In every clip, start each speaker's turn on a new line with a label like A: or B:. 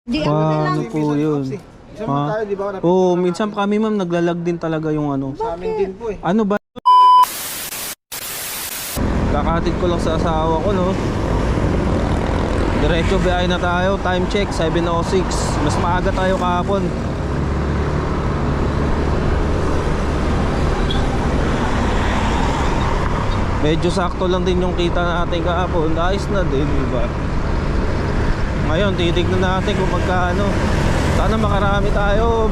A: Di
B: Paano po yun?
C: Isang mo tayo, di ba?
B: Oo, minsan kami ma'am naglalag din talaga yung ano.
C: Sa amin din po eh.
B: Ano ba? Kakatid ko lang sa asawa ko, no? Diretso biyahe na tayo. Time check 7:06. Mas maaga tayo kahapon. Medyo sakto lang din yung kita natin kahapon. Ayos na din, di ba? Ngayon titignan natin kung magkano. Sana makarami tayo.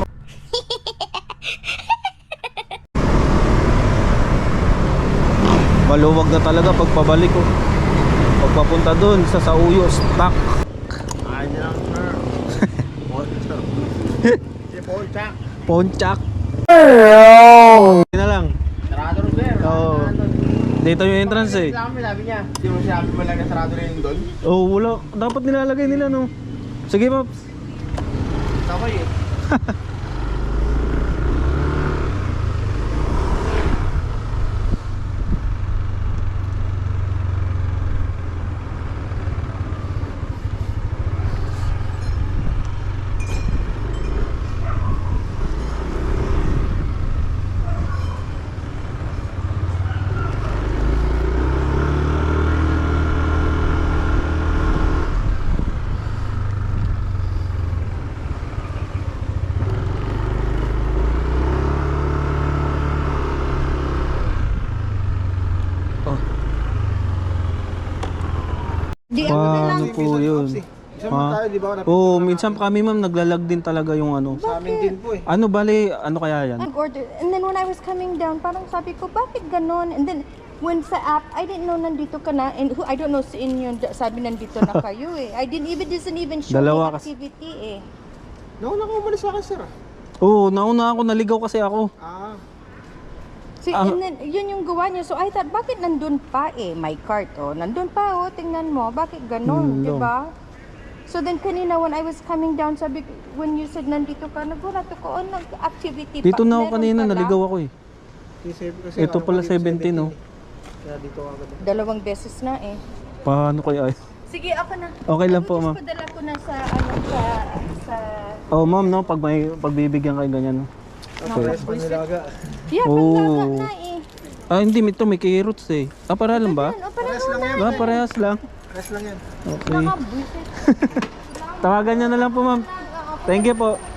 B: Maluwag na talaga pagpabalik ko. Pagpapunta dun sa Sauyo, stock.
C: Ay, lang sir. Si Ponchak.
B: Ponchak. Na lang.
C: Sarado rin sir.
B: Oo. Dito yung entrance eh.
C: Sabi niya. Hindi mo sinabi mo lang na sarado rin yung doon.
B: Oh, wala. Dapat nilalagay nila, no? Sige, Pops.
C: Okay eh.
A: Di
B: Paano po yun?
C: Isang mo tayo, di ba?
B: Oo, minsan kami ma'am naglalag din talaga yung ano.
C: Sa amin din po eh.
B: Ano bali, ano kaya yan?
A: Order. And then when I was coming down, parang sabi ko, bakit ganon? And then when sa app, I didn't know nandito ka na. And I don't know sa inyo, sabi nandito na kayo eh. I didn't even show
B: Dalawa
A: the
B: kasi.
A: activity eh.
C: Nauna ka umalis sa akin sir ah.
B: Oo, nauna ako, naligaw kasi ako.
C: Ah.
A: So, and then, yun yung gawa niya. So, I thought, bakit nandun pa eh? My cart, oh. Nandun pa, oh. Tingnan mo. Bakit ganon, di ba? So, then kanina, when I was coming down, sabi, when you said nandito ka, nagulat ako, oh, nag-activity pa.
B: Dito na ako
A: Meron
B: kanina,
A: pala.
B: naligaw ako eh.
C: Kasi
B: Ito pala 17, no?
C: Kaya dito ako agad.
A: 2 beses na eh.
B: Paano kaya?
A: Sige, ako na.
B: Okay lang po, ma'am.
A: Padala ko na sa, sa...
B: Oh, ma'am, no? Pag may pagbibigyan kayo ganyan, no?
C: Pares pa nilaga.
A: Yeah,
B: Oh.
A: panglaga na eh.
B: Ah, hindi, ito may carrots eh. Ah, para lang ba?
A: Ano, parang
C: Pares lang yan.
B: Ah, parehas lang.
C: Pares lang yan.
B: Okay.
A: nakabusit.
B: Tawagan niyo na lang po, ma'am. Thank you po.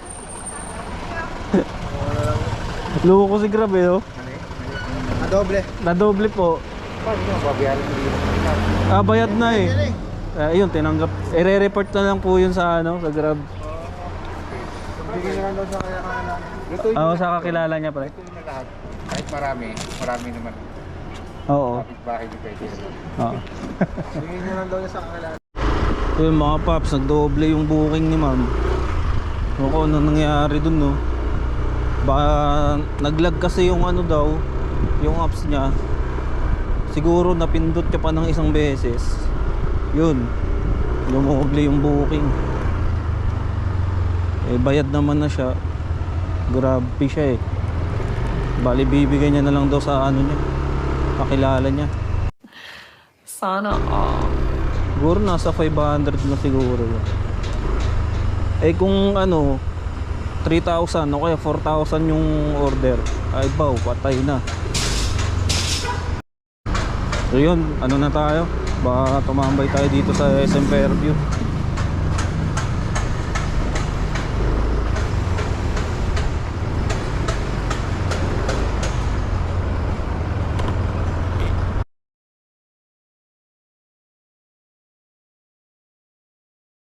B: Luko ko si Grab eh, oh.
C: Adoble.
B: Nadoble po.
C: Paano mo babayaran mo dito?
B: Ah, bayad na eh. Ayun, tinanggap. I-re-report na lang po yun sa ano, sa Grab.
C: Bigyan na lang daw sa kaya kanila. Ito
B: Oo, sa kakilala niya pala.
C: ito na lahat. Kahit marami naman.
B: Oo.
C: Kapit bahay di pwede.
B: Oo.
C: Bigyan na lang daw niya sa kanila.
B: Yun mga paps, nagdoble yung booking ni ma'am. Ano ko, ano nangyari dun, no? Baka naglag kasi yung ano daw, yung apps niya. Siguro napindot ka pa ng isang beses. Yun, lumuble yung booking. Eh bayad naman na siya. Grabe siya eh. Bali bibigay niya na lang daw sa ano niya, kakilala niya.
D: Sana all.
B: Siguro nasa 500 na siguro yun. Eh kung ano 3,000 o kaya 4,000 yung order, ay baw, patay na. So yun, ano na tayo? Baka tumambay tayo dito sa SM Fairview.